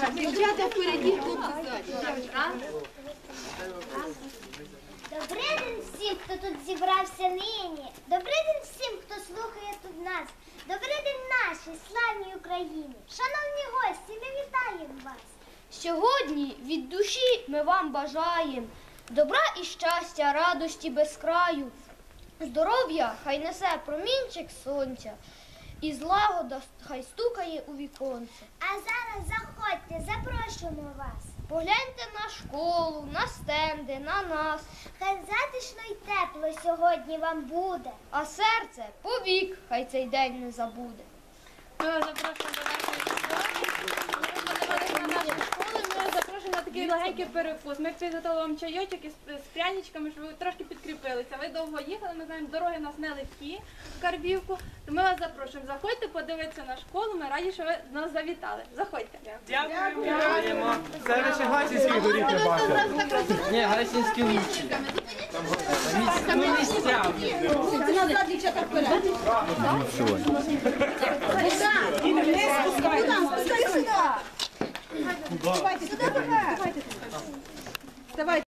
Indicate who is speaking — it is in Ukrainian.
Speaker 1: Дівчата впереді, хлопці ззаді.
Speaker 2: Добрий день всім, хто тут зібрався нині. Добрий день всім, хто слухає тут нас. Добрий день нашій славній Україні. Шановні гості, ми вітаємо вас.
Speaker 3: Сьогодні від душі ми вам бажаємо добра і щастя, радості без краю. Здоров'я хай несе промінчик сонця, і злагода хай стукає у віконце.
Speaker 2: А зараз заходьте, запрошуємо вас.
Speaker 3: Погляньте на школу, на стенди, на нас,
Speaker 2: Хай затишно й тепло сьогодні вам буде.
Speaker 3: а серце повік хай цей день не забуде.
Speaker 4: Ми вас запрошуємо до нашої школи. Ми подивилися на нашу школу, ми запрошуємо на такий легенький перекус. Ми підготували вам чайочок із пряничками, щоб ви трошки підкріпилися. Ви довго їхали, ми знаємо, дороги нас нелегкі в Карбівку. То ми вас запрошуємо. Заходьте, подивитися на школу, ми раді, що ви до нас завітали. Заходьте.
Speaker 5: Дякуємо. Це лише гайсінських доріг не бачили. Ні, гайсінські лучші. Ну, місця.
Speaker 1: Назад, дівчата, вперед. Спускай сюди. Давайте, сюди, давайте. Давайте.